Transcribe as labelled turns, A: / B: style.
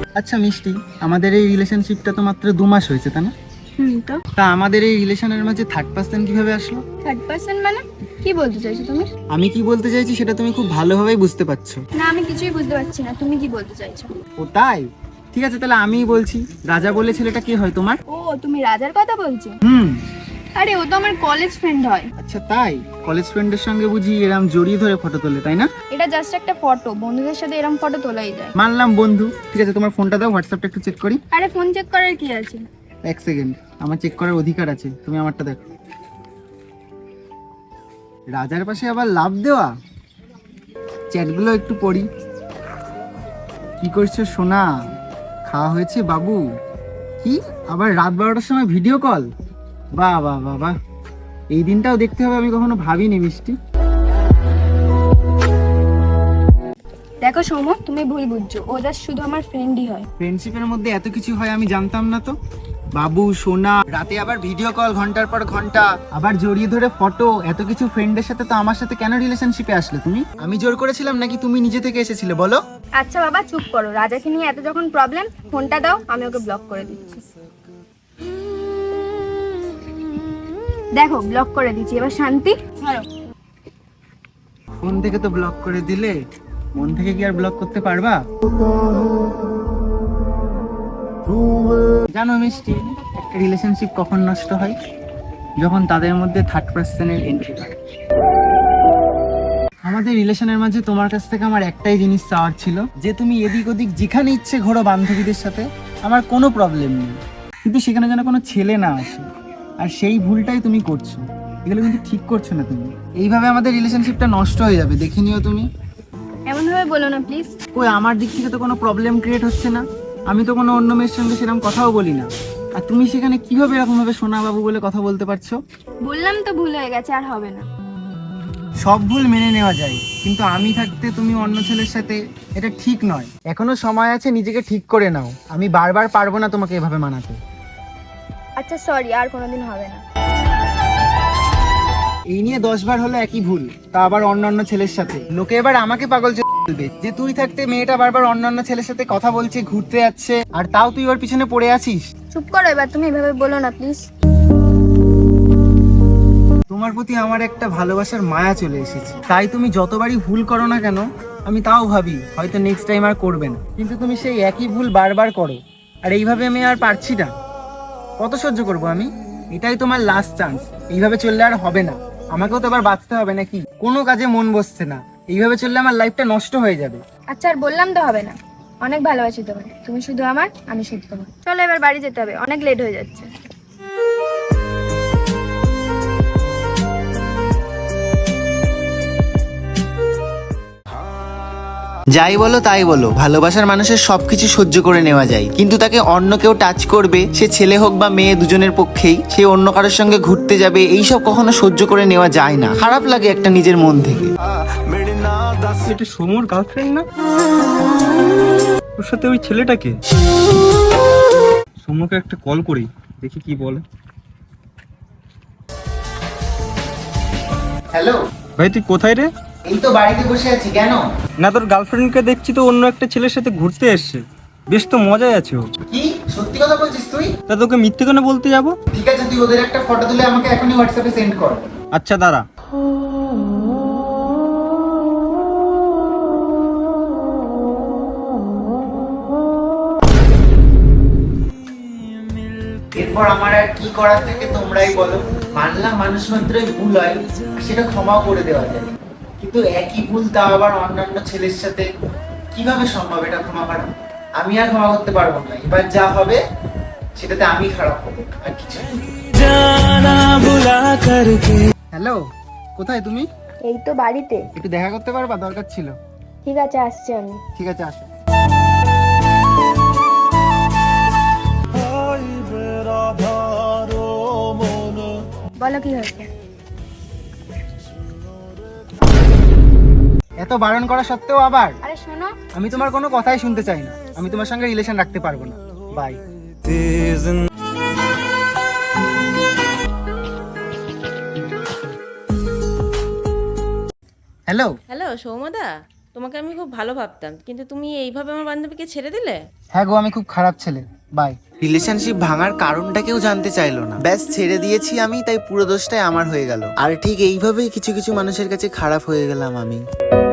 A: আচ্ছা মিষ্টি, আমাদের এই রিলেশনশিপটা তো মাত্র 2 মাস হয়েছে, তাই না?
B: তো
A: তা আমাদের এই রিলেশনের মাঝে থার্ড পার্সন কিভাবে আসলো?
B: থার্ড পার্সন মানে কি বলতে চাইছো তুমি?
A: আমি কি বলতে চাইছি সেটা তুমি খুব ভালোভাবেই বুঝতে পারছো।
B: না, আমি কিছুই বুঝতে পারছি না, তুমি কি বলতে চাইছো?
A: ও তাই, ঠিক আছে তাহলে আমিই বলছি। রাজা বলে ছেলেটা কে হয় তোমার?
B: ও, তুমি রাজার কথা বলছো?
A: হুম।
B: আরে ও তো আমার কলেজ ফ্রেন্ড হয়।
A: আচ্ছা তাই, কলেজ ফ্রেন্ডের সঙ্গে বুঝি এরম জড়িয়ে ধরে ফটো তোলে, তাই না?
B: এটা জাস্ট একটা ফটো, বন্ধুদের সাথে এরকম ফটো তোলাই যায়।
A: মানলাম বন্ধু, ঠিক আছে তোমার ফোনটা দাও, হোয়াটসঅ্যাপটা একটু চেক করি।
B: আরে ফোন চেক করার কি আছে?
A: 1 সেকেন্ড, আমার চেক করার অধিকার আছে, তুমি আমারটা দেখো। রাজার পাশে আবার লাভ দেওয়া, চ্যাটগুলো একটু পড়ি। কি করছো সোনা, খাওয়া হয়েছে বাবু? কি আবার রাত 12টার সময় ভিডিও কল? বাহ বাহ বাহ বাহ, এই দিনটাও দেখতে হবে, আমি কখনো ভাবিনি মিষ্টি।
B: দেখো সৌম, তুমি ভুল বুঝছো, ও জাস্ট শুধু আমার ফ্রেন্ডই হয়।
A: ফ্রেন্ডশিপের মধ্যে এত কিছু হয় আমি জানতাম না তো। বাবু সোনা, রাতে আবার ভিডিও কল ঘন্টার পর ঘন্টা, আবার জড়িয়ে ধরে ফটো, এত কিছু ফ্রেন্ডের সাথে তো আমার সাথে কেন রিলেশনশিপে আসলে তুমি? আমি জোর করেছিলাম নাকি তুমি নিজে থেকে এসেছিলে বলো?
B: আচ্ছা বাবা চুপ করো, রাজাকে নিয়ে এত যখন প্রবলেম, ফোনটা দাও, আমি ওকে ব্লক করে দিচ্ছি। দেখো ব্লক করে দিচ্ছি, এবার শান্তি। ধরো।
A: ফোন থেকে তো ব্লক করে দিলে, মন থেকে কি আর ব্লক করতে পারবা? জানো মিষ্টি, একটা রিলেশনশিপ কখন নষ্ট হয়? যখন তাদের মধ্যে থার্ড পার্সনের এন্ট্রি হয়। আমাদের রিলেশনের মাঝে তোমার কাছ থেকে আমার একটাই জিনিস চাওয়ার ছিল, যে তুমি এদিক ওদিক যেখানে ইচ্ছে ঘোরো বান্ধবীদের সাথে, আমার কোনো প্রবলেম নেই, কিন্তু সেখানে যেন কোনো ছেলে না আসে। আর সেই ভুলটাই তুমি করছো, এগুলো কিন্তু ঠিক করছো না তুমি। এইভাবে আমাদের রিলেশনশিপটা নষ্ট হয়ে যাবে, দেখে নিও তুমি।
B: এমন ভাবে বলো না প্লিজ।
A: কই আমার দিক থেকে তো কোনো প্রবলেম ক্রিয়েট হচ্ছে না, আমি তো কোনো অন্য মেয়ের সঙ্গে সেরকম কথাও বলি না, আর তুমি সেখানে কিভাবে এরকম ভাবে সোনা বাবু বলে কথা বলতে পারছো?
B: বললাম তো ভুল হয়ে গেছে, আর হবে না।
A: সব ভুল মেনে নেওয়া যায়, কিন্তু আমি থাকতে তুমি অন্য ছেলের সাথে, এটা ঠিক নয়। এখনো সময় আছে, নিজেকে ঠিক করে নাও, আমি বারবার পারবো না তোমাকে এভাবে মানাতে।
B: আচ্ছা সরি, আর কোনোদিন হবে না।
A: এই নিয়ে 10 বার হলো একই ভুল, তা আবার অন্য ছেলের সাথে। লোকে এবার আমাকে পাগল বলবে যে তুই থাকতে মেয়েটা বারবার অন্য ছেলের সাথে কথা বলছে, ঘুরতে যাচ্ছে, আর তাও তুই ওর পিছনে পড়ে আছিস।
B: চুপ করো এবার, তুমি এভাবে বলো না প্লিজ।
A: তোমার প্রতি আমার একটা ভালোবাসার মায়া চলে এসেছে, তাই তুমি যতবারই ভুল করো না কেন, আমি তাও ভাবি হয়তো নেক্সট টাইম আর করবে না, কিন্তু তুমি সেই একই ভুল বারবার করো। আর এইভাবে আমি আর পারছি না, কত সহ্য করব আমি? এটাই তোমার লাস্ট চান্স, এইভাবে চললে আর হবে না, আমাকেও তো এবার বাঁচতে হবে নাকি? কোনো কাজে মন বসছে না, এইভাবে চললে আমার লাইফটা নষ্ট হয়ে যাবে।
B: আচ্ছা আর বললাম তো হবে না, অনেক ভালোবাসি তোমায়, তুমি শুধু আমার, আমি শুধু তোমার। চলো এবার বাড়ি যেতে হবে, অনেক লেট হয়ে যাচ্ছে।
C: যাই বলো তাই বলো, ভালোবাসার মানুষের সবকিছু সহ্য করে নেওয়া যায়, কিন্তু তাকে অন্য কেউ টাচ করবে, সে ছেলে হোক বা মেয়ে, দুজনের পক্ষেই, সে অন্য কারোর সঙ্গে ঘুরতে যাবে, এইসব কখনো সহ্য করে নেওয়া যায় না। খারাপ লাগে একটা নিজের মন থেকে।
D: এটা সোমর গার্লফ্রেন্ড না? ওর সাথে ওই ছেলেটাকে। সোমকে একটা কল করি, দেখি কি বলে।
A: হ্যালো
D: ভাই তুই কোথায় রে?
A: এই তো বাড়িতে বসে আছি, কেন?
D: না তোর গার্লফ্রেন্ডকে দেখছি তো অন্য একটা ছেলের সাথে ঘুরতে এসছে, বেশ তো মজায় আছে ও।
A: কি সত্যি কথা বলছিস তুই?
D: তা তোকে মিথ্যে কেন বলতে যাবো?
A: ঠিক আছে, তুই ওদের একটা ফটো তুলে আমাকে এখনই হোয়াটসঅ্যাপে সেন্ড কর।
D: আচ্ছা দাঁড়া।
A: এরপর আমার আর কি করার থেকে তোমরাই বলো। মানলাম মানুষ মাত্রই ভুল হয়, আর সেটা ক্ষমাও করে দেওয়া যায়, কিন্তু একই ভুল তা আবার অন্যান্য ছেলের সাথে কিভাবে সম্ভব এটা ক্ষমা করা? আমি আর ক্ষমা করতে পারবো না, এবার যা হবে সেটাতে আমি খারাপ হবো, আর কিছু। হ্যালো, কোথায় তুমি?
B: এই তো বাড়িতে।
A: একটু দেখা করতে পারবা, দরকার ছিল।
B: ঠিক আছে, আসছি আমি।
A: ঠিক আছে, আসো।
B: বলো কি হয়েছে?
A: এত বারণ করা সত্ত্বেও আবার?
B: আরে শোনো।
A: আমি তোমার কোনো কথাই শুনতে চাই না, আমি তোমার সঙ্গে রিলেশন রাখতে পারবো না, বাই। হ্যালো।
E: হ্যালো সৌমদা, তোমাকে আমি খুব ভালো ভাবতাম, কিন্তু তুমি এইভাবে আমার বান্ধবীকে ছেড়ে দিলে।
A: হ্যাঁ গো, আমি খুব খারাপ ছেলে। বাই।
C: রিলেশনশিপ ভাঙার কারণটা কেউ জানতে চাইলো না, ব্যাস ছেড়ে দিয়েছি আমি, তাই পুরো দোষটাই আমার হয়ে গেল। আর ঠিক এইভাবেই কিছু কিছু মানুষের কাছে খারাপ হয়ে গেলাম আমি।